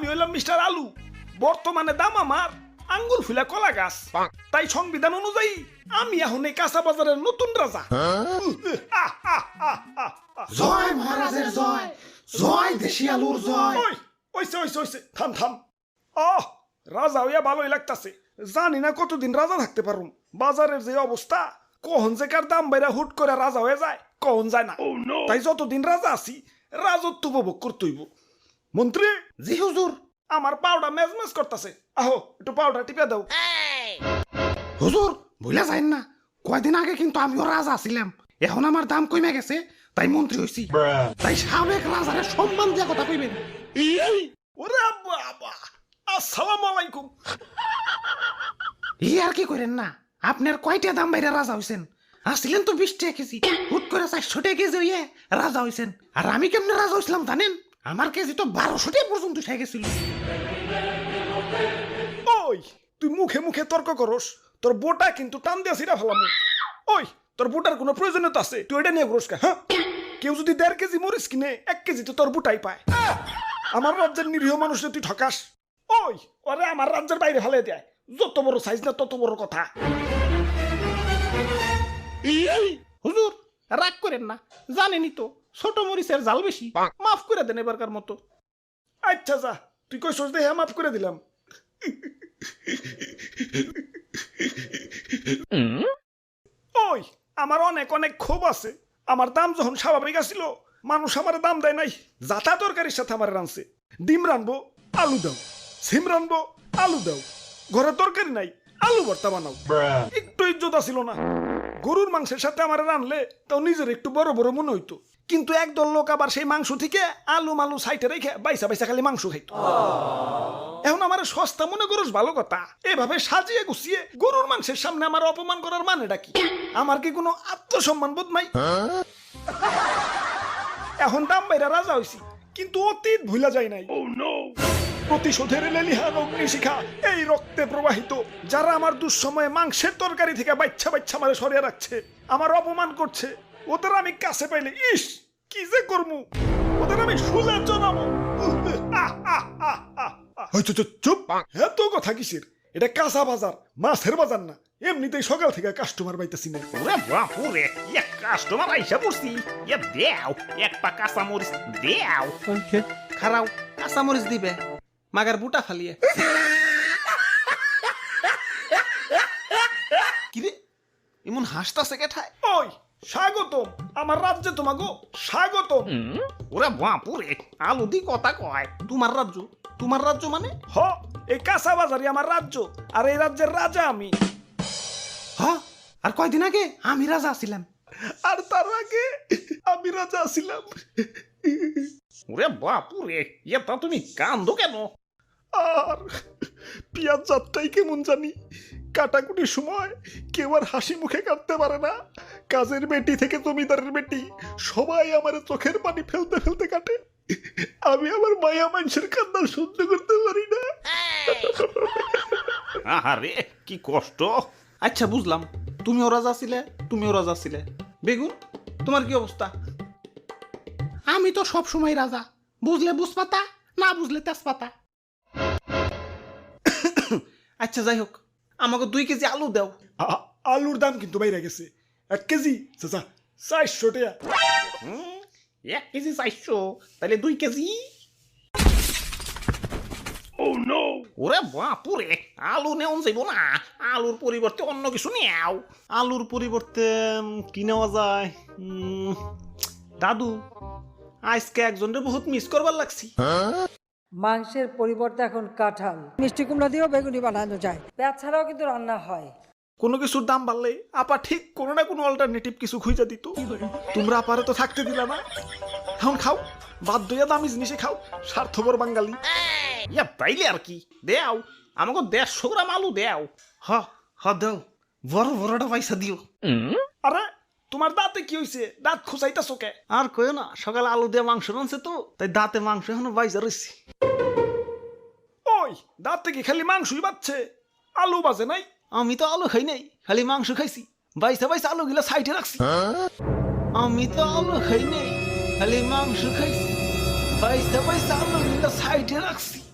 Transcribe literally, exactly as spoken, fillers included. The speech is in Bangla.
আমি হইলাম মিস্টার আলু, বর্তমানে দাম আমার আঙ্গুর ফুলা কলা গাছ। তাই সংবিধান অনুযায়ী আমি এখন এই কাঁচা বাজারের নতুন রাজা। আহ, আহ, আহ, আহ, আহ। জয় মহারাজের জয়, জয় দেশি আলুর জয়। ওই ওইসে ওইসে ওইসে থাম থাম। আহ রাজা হইয়া ভালোই লাগতাছে, জানি না কতদিন রাজা থাকতে পারুম। বাজারের যে অবস্থা, কখন যে কার দাম বাইরা হুট করে রাজা হয়ে যায় কখন যায় না। তাই যতদিন রাজা আছি রাজত্ব উপভোগ করতে হইব। মন্ত্রী, জি হুজুর। আমার পাউডার মেজমেজ করতেছে, আহো একটু পাউডার টিপে দাও। হুজুর ভুলে যাইন না, কয়দিন আগে কিন্তু আমিও রাজা ছিলাম, এখন আমার দাম কমে গেছে তাই মন্ত্রী হইছি। তাই সাবেক রাজারে সম্মান দিয়া কথা কইবেন। ওরে বাবা, আসসালামু আলাইকুম। ই আর কি করেন না, আপনার কয়টা দাম বাইরে রাজা হইছেন? আসছিলেন তো বিশ টাকা কেজি, হুট করে চারশো টাকা কেজি হইয়ে রাজা হইছেন। আর আমি কেমনে রাজা হইছিলাম জানেন? আমার কেজি তো বারোশো টাকা পর্যন্ত উঠে গেছিল। ওই তুই মুখে মুখে তর্ক করস, তোর বোটা কিন্তু টান দিয়া ছিড়া ফেলাম। ওই তোর বোটার কোনো প্রয়োজনীয়তা আছে? তুই এটা নিয়ে ঘুরস কা? হ্যাঁ, কেউ যদি দেড় কেজি মরিস কিনে এক কেজি তো তোর বুটাই পায়। আমার রাজ্যের নিরীহ মানুষে তুই ঠকাস। ওই ওরে আমার রাজ্যের বাইরে ফেলে দেয়, যত বড় সাইজ না তত বড় কথা। হুজুর রাগ করেন না, জানেনই তো ছোট মরিচের জাল বেশি, মাফ করে দেন এবারকার মতো। আচ্ছা যা, তুই কই সোচ দেখে মাফ করে দিলাম। ওই আমার অনেক অনেক ক্ষোভ আছে। আমার দাম যখন স্বাভাবিক আসিল, মানুষ আমার দাম দেয় নাই। যাতা তরকারির সাথে আমার রানছে, ডিম রানবো আলু দাও, সিম রানবো আলু দাও, ঘরে তরকারি নাই আলু ভর্তা বানাও। একটু ইজ্জত ছিল না। গরুর মাংসের সাথে আমার রানলে তাও নিজের একটু বড় বড় মনে হইতো, কিন্তু একদল লোক আবার সেই মাংস থেকে আলু মালু সাইটে রেখে বাইসা বাইসা খালি মাংস খাইতো। এখন আমার সস্তা মনে করস ভালো কথা, এভাবে সাজিয়ে গুছিয়ে গরুর মাংসের সামনে আমার অপমান করার মানেটা কি? আমার কি কোনো আত্মসম্মান বোধ নাই? এখন দাম বাইরা রাজা হইছি, কিন্তু অতীত ভুলা যায় নাই। প্রতিশোধের লেলিহান অগ্নিশিখা এই রক্তে প্রবাহিত। যারা আমার দুঃসময়ে মাংসের তরকারি থেকে বাচ্চা বাচ্চা মারে সরিয়ে রাখছে, আমার অপমান করছে, ওদের আমি কাছে পাইলে ইস কি যে করমু, ওদের আমি শুলে জানাবো। চুপ, এত কথা কিসের? এটা কাঁচা বাজার, মাছের বাজার না। এমনিতেই সকাল থেকে কাস্টমার পাইতেছি না। ওরে বাপুরে, এক কাস্টমার আইসা পড়ছি। এ দেও এক পা কাঁচা মরিচ দেও। খারাও কাঁচা মরিচ দিবে, মাগার বুটা ফালিয়ে। কিরে এমন হাসতাছে কেঠায়? ওই স্বাগতম আমার রাজ্যে, তোমাগো স্বাগতম। ওরে বাপুরে, আলু দি কথা কয়। তোমার রাজ্য? তোমার রাজ্য মানে? হ, এই কাঁচা বাজারই আমার রাজ্য, আর এই রাজ্যের রাজা আমি। হ, আর কয়দিন আগে আমি রাজা ছিলাম। আর তার আগে আমি রাজা ছিলাম। ওরে বাপুরে, এটা তুমি কান্দো কেন? আর পিয়াজ যাত্রাই কেমন জানি, কাটাকুটির সময় কেউ আর হাসি মুখে কাটতে পারে না। কাজের বেটি থেকে জমিদারের বেটি সবাই আমার চোখের পানি ফেলতে ফেলতে কাটে। আমি আমার মায়া মানুষের কান্না সহ্য করতে পারি না। আরে কি কষ্ট। আচ্ছা বুঝলাম, তুমিও রাজা ছিলে, তুমিও রাজা ছিলে। বেগুন তোমার কি অবস্থা? আমি তো সব সময় রাজা, বুঝলে বুঝপাতা, না বুঝলে তেজপাতা। আচ্ছা যাই হোক, আমাকে দুই কেজি আলু দাও। আ- আলুর দাম কিন্তু বাইরে গেছে, এক কেজি চাচা চারশো টাকা। হুম, এক কেজি চাইছো, তাহলে দুই কেজি। ওরে বাপুরে, আলু নেওয়া যাইব না, আলুর পরিবর্তে অন্য কিছু নেও। আলুর পরিবর্তে উম, কি নেওয়া যায়? উম, দাদু আজকে একজনের বহুত মিস করবার লাগছি। মাংসের পরিবর্তে এখন কাঁঠাল, মিষ্টি কুমড়া দিয়েও বেগুনি বানানো যায়। পেঁয়াজ ছাড়াও কিন্তু রান্না হয়। কোনো কিছুর দাম বাড়লে আপা ঠিক কোনো না কোনো অল্টারনেটিভ কিছু খুঁজে দিত। তোমরা আপারে তো থাকতে দিলা না, এখন খাও, বাধ্য হইয়া দামি জিনিসে খাও, স্বার্থপর বাঙালি। ইয়া তাইলে আর কি, দেও আমাকে দেড়শো গ্রাম আলু দেও। হ হ দাও, বড় বড়টা পয়সা দিও। আরে তোমার দাঁতে কি হইছে? দাঁত খুঁচাইতাছো কে? আর কইও না, সকালে আলু দিয়ে মাংস রানছে তো, তাই দাঁতে মাংস এখনো বাইজা রয়েছে। ওই দাঁতে কি খালি মাংসই বাচ্ছে, আলু বাজে নাই? আমি তো আলু খাই নাই, খালি মাংস খাইছি। বাইসা বাইসা আলু গিলা সাইডে রাখছি। আমি তো আলু খাই নাই, খালি মাংস খাইছি। বাইসা বাইসা আলু গিলা সাইডে রাখছি।